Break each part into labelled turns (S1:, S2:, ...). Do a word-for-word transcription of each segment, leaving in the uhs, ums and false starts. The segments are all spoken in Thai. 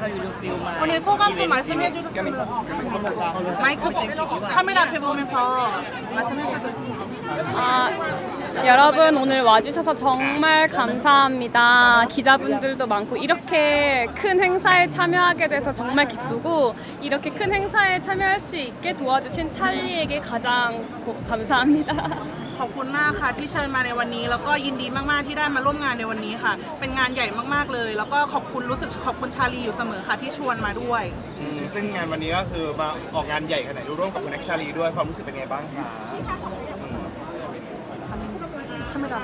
S1: 오늘 소감 좀 말씀해 주셨으면 마이크 카메라 앞에 보면서 말씀해 주세요.
S2: 아, 여러분 오늘 와주셔서 정말 감사합니다. 기자분들도 많고 이렇게 큰 행사에 참여하게 돼서 정말 기쁘고 이렇게 큰 행사에 참여할 수 있게 도와주신 찰리에게 가장 고, 감사합니다.
S1: ขอบคุณมากค่ะที่เชิญมาในวันนี้แล้วก็ยินดีมากๆที่ได้มาร่วมงานในวันนี้ค่ะเป็นงานใหญ่มากๆเลยแล้วก็ขอบคุณรู้สึกขอบคุณชาลีอยู่เสมอค่ะที่ชวนมาด้วย
S3: ซึ่งงานวันนี้ก็คือมาออกงานใหญ่ขนาดนี้ร่วมกับคุณแน็กชาลีด้วยความรู้สึกเป็นไงบ้างคะ
S1: 카메라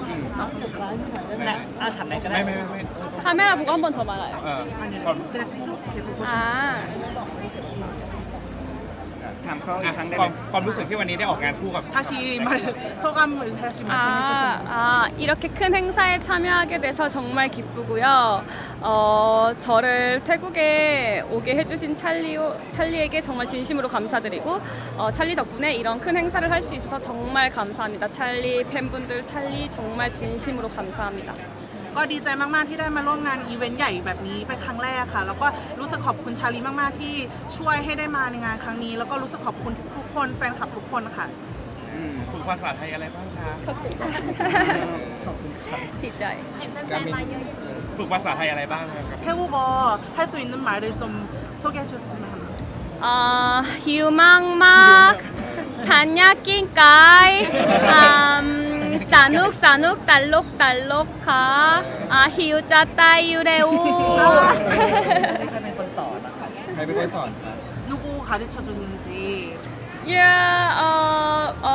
S4: 아,ถามไหนก็ได้
S3: ไม่ไม่ไม่
S2: 카메라 보고 한 번 더 말아요.
S3: เออ
S1: 그냥 쭉 계속 보시면
S2: 아,
S4: ถามเขาอีกครั้งได้ไห
S3: ค
S4: ม
S3: วามความรู้สึกที่วันนี้ได้ออกงานคู่กับ
S1: 다시 말 소감을 다시 말씀해 주세요.
S2: 아, 아, 이렇게 큰 행사에 참여하게 돼서 정말 기쁘고요. 어, 저를 태국에 오게 해주신 찰리, 찰리에게 정말 진심으로 감사드리고 어, 찰리 덕분에 이런 큰 행사를 할 수 있어서 정말 감사합니다. 찰리 팬분들 찰리 정말 진심으로 감사합니다.
S1: ก็ดีใจมากๆที่ได้มาร่วมงานอีเวนต์ใหญ่แบบนี้เป็นครั้งแรกค่ะแล้วก็รู้สึกขอบคุณชาลีมากๆที่ช่วยให้ได้มาในงานครั้งนี้แล้วก็รู้สึกขอบคุณทุกๆคนแฟนคลับทุกคนค่ะ
S3: ฝึกภาษาไทยอะไรบ้างคะ
S2: 디자이.
S3: ฝึกภาษาไทยอะไรบ้างครับ
S1: 태국어 할 수 있는 말을 좀 소개해 주셨으면 합니다.
S2: 아, 휴망막, 잔야낀까이, 음, 싸눅 싸눅 달록 달록카, 아, 히우자 따유레우.
S4: ใครเป็นคนสอนนะครับ
S5: ใครเป็นคนสอนครับ
S1: 누구 가르쳐 줬는지
S2: 예, 어, 어,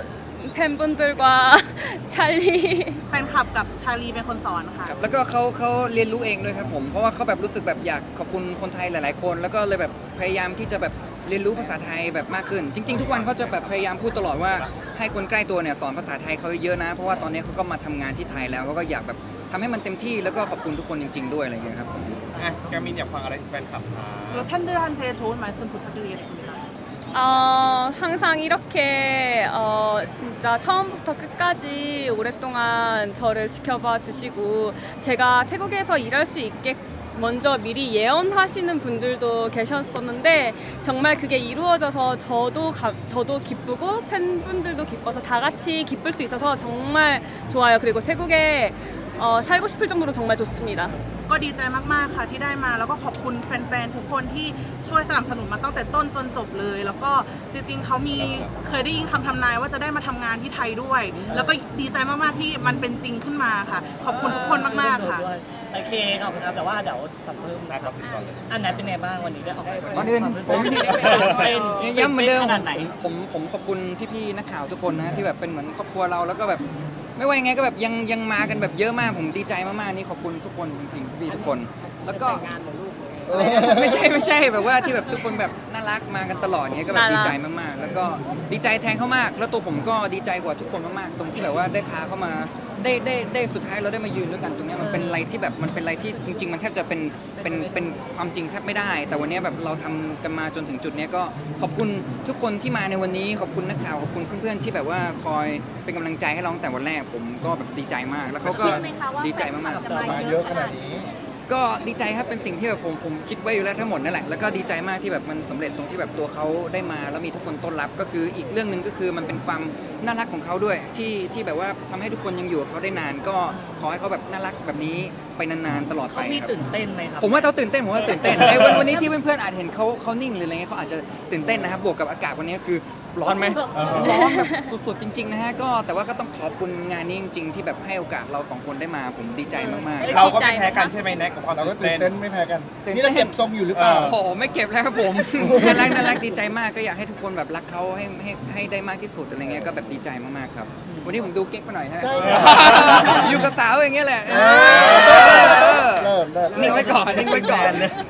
S2: 팬분들과 찰리.
S1: แฟนคลับกับชาลีเป็นคนสอนค่ะ
S4: แล้วก็เขาเขาเรียนรู้เองด้วยครับผมเพราะว่าเขาแบบรู้สึกแบบอยากขอบคุณคนไทยหลาย ๆ คน แล้วก็เลยแบบพยายามที่จะแบบเรียนรู้ภาษาไทยแบบมากขึ้น จริง ๆ ทุกวันเขาจะแบบพยายามพูดตลอดว่าให้คนใกล้ตัวเนี่ยสอนภาษาไทยเขาเยอะนะเพราะว่าตอนนี้เขาก็มาทำงานที่ไทยแล้วเขาก็อยากแบบทำให้มันเต็มที่แล้วก็ขอบคุณทุกคนจริง ๆ ด้วยอะไรอย่างเงี้ยครับผม
S3: อ่ะแกมินอยากฟังอะไรจากแฟนคลับคะ
S1: 그리고 팬들한테 좋은 말씀 부탁드리겠습니다.
S2: 어, 항상 이렇게 어, 진짜 처음부터 끝까지 오랫동안 저를 지켜봐 주시고 제가 태국에서 일할 수 있게 먼저 미리 예언하시는 분들도 계셨었는데 정말 그게 이루어져서 저도 가, 저도 기쁘고 팬분들도 기뻐서 다 같이 기쁠 수 있어서 정말 좋아요. 그리고 태국에 어, 살고 싶을 정도로 정말 좋습니다.
S1: ก็ดีใจมากๆค่ะที่ได้มาแล้วก็ขอบคุณแฟนๆทุกคนที่ช่วยสนับสนุนมาตั้งแต่ต้นจนจบเลยแล้วก็จริงๆเขามีเคยได้ยินคำทำนายว่าจะได้มาทำงานที่ไทยด้วยแล้วก็ดีใจมากๆที่มันเป็นจริงขึ้นมาค่ะขอบคุณทุกคนมากๆค่ะ
S6: โอเคขอบคุณครับแต่ว่าเดี๋ยวสัมภาษณ์
S3: นะครับสิบก่อนเลย
S6: อันไหนเป็นไงบ้างวันนี้ได้ออกไป
S4: ก่อนอื่น
S6: ความรู้
S4: ผ
S6: สึ
S4: ม
S6: กตื่นเต้น
S4: ย้ำเหมือนเดิม
S6: ขนาดไหน
S4: ผมผมขอบคุณพี่ๆนักข่าวทุกคนนะที่แบบเป็นเหมือนครอบครัวเราแล้วก็แบบไม่ว่ายังไงก็แบบยังยังมากันแบบเยอะมากผมดีใจมากๆนี่ขอบคุณทุกคนจริงๆพี่ๆทุกคน แล้วก็ไม่ใช่ไม่ใช่แบบว่าที่แบบทุกคนแบบน่ารักมากันตลอดเนี้ยก็แบบดีใจมากๆ แล้วก็ดีใจแทนเขามาก แล้วตัวผมก็ดีใจกว่าทุกคนมากๆตรงที่แบบว่าได้พาเขามาได้ได้ได้สุดท้ายเราได้มายืนด้วยกันตรงเนี้ยมันเป็นอะไรที่แบบมันเป็นอะไรที่จริง ๆ มันแทบจะเป็นเป็นเป็นความจริงแทบไม่ได้ แต่วันนี้แบบเราทำกันมาจนถึงจุดเนี้ยก็ขอบคุณทุกคนที่มาในวันนี้ขอบคุณนักข่าวขอบคุณเพื่อนๆที่แบบว่าคอยเป็นกำลังใจให้เราตั้งแต่วันแรกผมก็แบบดีใจมากแล้วเขาก็ดีใจมากๆ
S5: มาเยอะขนาดนี้
S4: ก็ดีใจครับเป็นสิ่งที่แบบผมผมคิดไว้อยู่แล้วทั้งหมดนั่นแหละแล้วก็ดีใจมากที่แบบมันสำเร็จตรงที่แบบตัวเขาได้มาแล้วมีทุกคนต้อนรับก็คืออีกเรื่องหนึ่งก็คือมันเป็นความน่ารักของเขาด้วยที่ที่แบบว่าทำให้ทุกคนยังอยู่กับเขาได้นาน ก็ขอให้เขาแบบน่ารักแบบนี้ไปนานๆตลอดไป
S6: เขามี
S4: ครับ
S6: ตื่นเต้นไหมครับ
S4: ผมว่าเขาตื่นเต้นผมว่าตื่นเต้นไอ้วันวันนี้ที่เพื่อนๆอาจเห็นเขาเขานิ่งหรืออะไรเงี้ยเขาอาจจะตื่นเต้นนะครับบวกกับอากาศวันนี้คือร้อนไหมร้อนแบบสุดๆจริงๆนะฮะก็แต่ว่าก็ต้องขอบคุณงานนี้จริงๆที่แบบให้โอกาสเราสองคนได้มาผมดีใจมากๆ
S3: เราก็ไม่แพ้กันใช่ไหมแน็กกับความ
S5: เราก็
S3: ตื่น
S5: ตื่น
S3: เต้น
S5: เต้นไม่แพ้กัน
S4: ตื่นเต้น
S5: นี่เราเก็บทรงอยู่หรือเปล่า
S3: เออ
S4: โอ้โหไม่เก็บแล้วครับผม น่ารักน่ารักดีใจมากก็อยากให้ทุกคนแบบรักเขาให้ให้ให้ได้มากที่สุดอะไรเงี้ยก็แบบดีใจมากๆครับวันนี้ผมดูเก๊กไปหน่อยฮะ
S5: ใช่ครับ
S4: อยู่กับสาวอย่างเงี้ยแหละ
S5: เออเริ่มเริ่ม
S4: นิ่งไว้ก่อนนิ่งไว้ก่อน